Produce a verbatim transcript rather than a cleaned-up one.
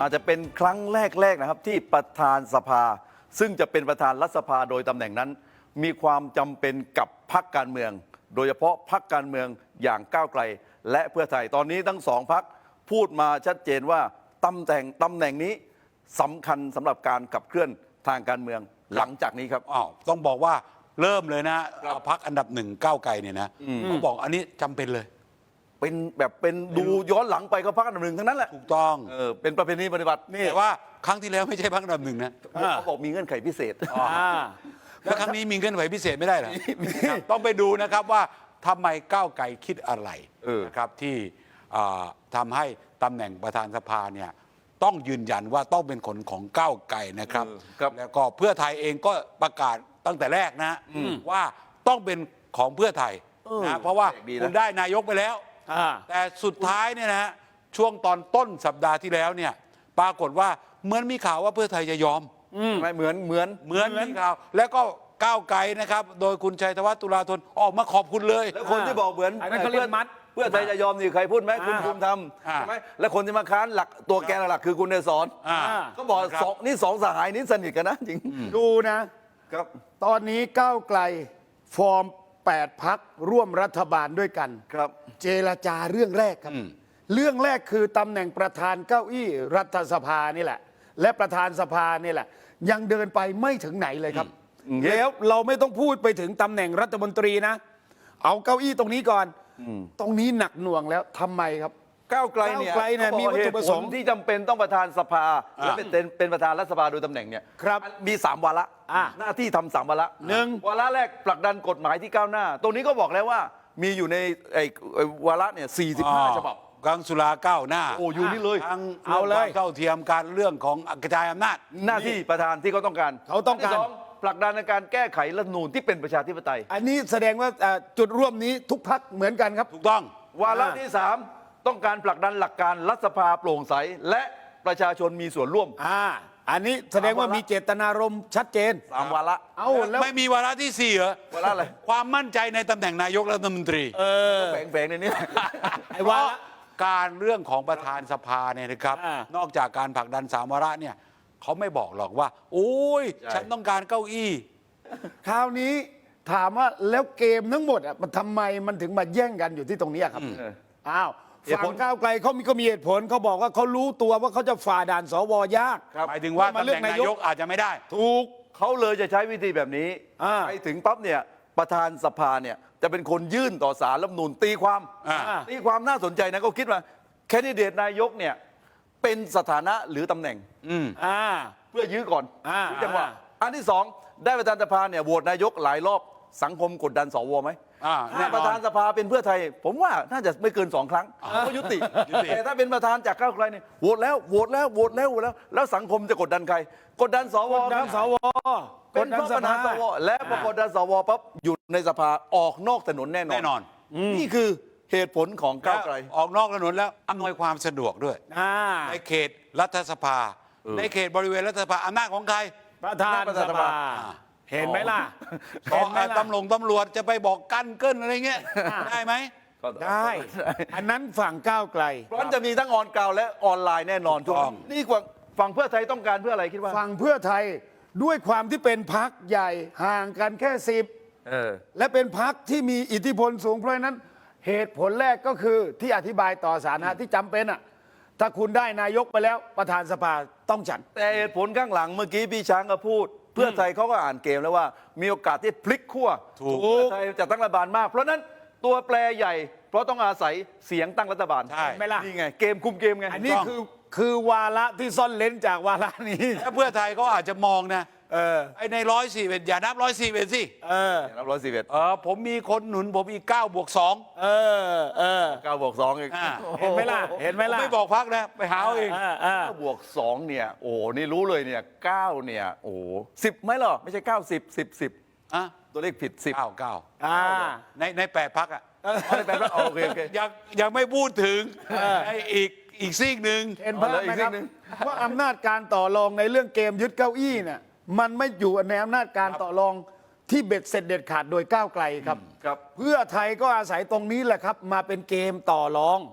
อาจจะเป็นครั้งแรกๆนะครับที่ประธานสภาซึ่งจะเป็นประธานรัฐสภาโดยตำแหน่งนั้น มีความจำเป็นกับพรรคการเมือง โดยเฉพาะพรรคการเมืองอย่างก้าวไกลและเพื่อไทยตอนนี้ทั้งสองพรรคพูดมาชัดเจนว่าตำแหน่งตำแหน่งนี้สำคัญสำหรับการขับเคลื่อนทางการเมืองหลังจากนี้ครับอ้าวต้องบอกว่าเริ่มเลยนะพรรคอันดับหนึ่งก้าวไกลเนี่ยนะเขาบอกอันนี้จำเป็นเลยเป็นแบบเป็นดูย้อนหลังไปก็พรรคอันดับหนึ่งทั้งนั้นแหละถูกต้องเออเป็นประเพณีปฏิบัตินี่แต่ว่าครั้งที่แล้วไม่ใช่พรรคอันดับหนึ่งนะเขาบอกมีเงื่อนไขพิเศษแล้วครั้งนี้มีเงื่อนไขพิเศษไม่ได้เหรอต้องไปดูนะครับว่าทำไมก้าวไกลคิดอะไรนะครับที่ทำให้ตำแหน่งประธานสภาเนี่ยต้องยืนยันว่าต้องเป็นคนของก้าวไกลนะครับแล้วก็เพื่อไทยเองก็ประกาศตั้งแต่แรกนะว่าต้องเป็นของเพื่อไทยนะเพราะว่าคุณได้นายกไปแล้วแต่สุดท้ายเนี่ยนะช่วงตอนต้นสัปดาห์ที่แล้วเนี่ยปรากฏว่าเหมือนมีข่าวว่าเพื่อไทยจะยอมไม่เหมือนเหมือนเหมือนมีข่าวแล้วก็ก้าวไกลนะครับโดยคุณชัยธวัฒน์ตุลาธนออกมาขอบคุณเลยแล้วคนที่บอกเหมือนนั่นเขาเรียกมัดเพื่อไทยจะยอมนี่ใครพูดไหมคุณภูมิธรรมใช่ไหมและคนที่มาค้านหลักตัวแกนหลักคือคุณเนศรก็บอกสองนี่สองสหายนี้สนิทกันนะจริงดูนะครับตอนนี้ก้าวไกลฟอร์มแปดพรรคร่วมรัฐบาลด้วยกันครับเจรจาเรื่องแรกครับเรื่องแรกคือตำแหน่งประธานเก้าอี้รัฐสภานี่แหละและประธานสภานี่แหละยังเดินไปไม่ถึงไหนเลยครับแล้วเราไม่ต้องพูดไปถึงตำแหน่งรัฐมนตรีนะเอาเก้าอี้ตรงนี้ก่อนตรงนี้หนักหน่วงแล้วทำไมครับก้าวไกลเนี่ยมีวัตถุประสงค์ที่จำเป็นต้องประธานสภาและเป็นเป็นประธานรัฐสภาโดยตำแหน่งเนี่ยมีสามวาระหน้าที่ทำสามวาระหนึ่งวาระแรกผลักดันกฎหมายที่ก้าวหน้าตรงนี้ก็บอกแล้วว่ามีอยู่ในไอ้วาระเนี่ยสี่สิบห้าฉบับกังสุราก้าวหน้าโอ้อยู่นี่เลยทั้งเอาเลยเท่าเทียมการเรื่องของกระจายอำนาจหน้าที่ประธานที่เขาต้องการเขาต้องการผลักดันในการแก้ไขรัฐธรรมนูญที่เป็นประชาธิปไตยอันนี้แสดงว่าจุดร่วมนี้ทุกพรรคเหมือนกันครับถูกต้องวาระที่สามต้องการผลักดันหลักการรัฐสภาโปร่งใสและประชาชนมีส่วนร่วมอ่าอันนี้แสดงว่ามีเจตนารมณ์ชัดเจนสามวาระเอาแล้วไม่มีวาระที่สี่เหรอวาระอะไรความมั่นใจในตำแหน่งนายกรัฐมนตรีเออแฝงๆในนี้ไอ้วาระการเรื่องของประธานสภาเนี่ยนะครับนอกจากการผลักดันสามวาระเนี่ยเขาไม่บอกหรอกว่าโอ้ยฉันต้องการเก้าอี้คราวนี้ถามว่าแล้วเกมทั้งหมดอ่ะมันทำไมมันถึงมาแย่งกันอยู่ที่ตรงนี้ครับอ้าวฝั่งก้าวไกลเขามีก็มีเหตุผลเขาบอกว่าเขารู้ตัวว่าเขาจะฝ่าด่านสวยากหมายถึงว่าตำแหน่งนายกอาจจะไม่ได้ถูกเขาเลยจะใช้วิธีแบบนี้ไปถึงปั๊บเนี่ยประธานสภาเนี่ยจะเป็นคนยื่นต่อศาลรัฐธรรมนูญตีความตีความน่าสนใจนะก็คิดว่าแคนดิเดตนายกเนี่ยเป็นสถานะหรือตำแหน่งเพื่อยื้อก่อนจังหวะอันที่สองได้ประธานสภาเนี่ยโหวตนายกหลายรอบสังคมกดดันสวไหมถ้าประธานสภาเป็นเพื่อไทยผมว่าน่าจะไม่เกินสองครั้งก็ยุติแต่ถ้าเป็นประธานจากก้าวไกลเนี่ยโหวตแล้วโหวตแล้วโหวตแล้วโหวตแล้วแล้วสังคมจะกดดันใครกดดันสวกดดันสวเป็นเพราะประธานสวและพอกดดันสวปั๊บอยู่ในสภาออกนอกถนนแน่นอนแน่นอนนี่คือเหตุผลของก้าวไกลออกนอกถนนแล้วอำนวยความสะดวกด้วยในเขตรัฐสภาในเขตบริเวณรัฐสภาอำนาจของใครประธานสภาเห็นไหมล่ะเห็นไหมตำรวจตำรวจจะไปบอกกั้นเกิ้นอะไรเงี้ยได้ไหมได้อันนั้นฝั่งก้าวไกลเพราะจะมีทั้งออนกราวและออนไลน์แน่นอนทุกคนนี่ฝั่งเพื่อไทยต้องการเพื่ออะไรคิดว่าฝั่งเพื่อไทยด้วยความที่เป็นพรรคใหญ่ห่างกันแค่สิบและเป็นพรรคที่มีอิทธิพลสูงเพราะนั้นเหตุผลแรกก็คือที่อธิบายต่อสาธารณะที่จำเป็นอ่ะถ้าคุณได้นายกไปแล้วประธานสภาต้องฉันแต่เหตุผลข้างหลังเมื่อกี้พี่ช้างก็พูดเพื่อไทยเขาก็อ่านเกมแล้วว่ามีโอกาสที่พลิกขั้วเพื่อไทยจะตั้งรัฐบาลมากเพราะนั้นตัวแปรใหญ่เพราะต้องอาศัยเสียงตั้งรัฐบาลใช่ไหมล่ะนี่ไงเกมคุมเกมไงอันนี้คือคือวาระที่ซ่อนเลนจากวาระนี้ถ้าเพื่อไทยเขาอาจจะมองนะเออไอในร้อยสี่เอ็ดอย่านับร้อยสี่เอ็ดสิเออนับร้อยสี่เอ็ดเออผมมีคนหนุนผมอีกเก้าบวกสองเออเออเก้าบวกสองเองเห็นไหมล่ะเห็นไหมล่ะไม่บอกพักนะไปหาเองเก้าบวกสองเนี่ยโอ้นี่รู้เลยเนี่ยเก้าเนี่ยโอ้สิบไหมหรอไม่ใช่เก้าสิบสิบสิบอ่ะตัวเลขผิดสิบเก้าเก้าอ่าในในแปดพักอ่ะในแปดพักโอเคโอเคยังยังไม่พูดถึงไออีกอีกซีกหนึ่งเห็นภาพไหมครับว่าอำนาจการต่อรองในเรื่องเกมยึดเก้าอี้เนี่ยมันไม่อยู่ในอำนาจการต่อรองที่เบ็ดเสร็จเด็ดขาดโดยก้าวไกลครับเพื่อไทยก็อาศัยตรงนี้แหละครับมาเป็นเกมต่อรอง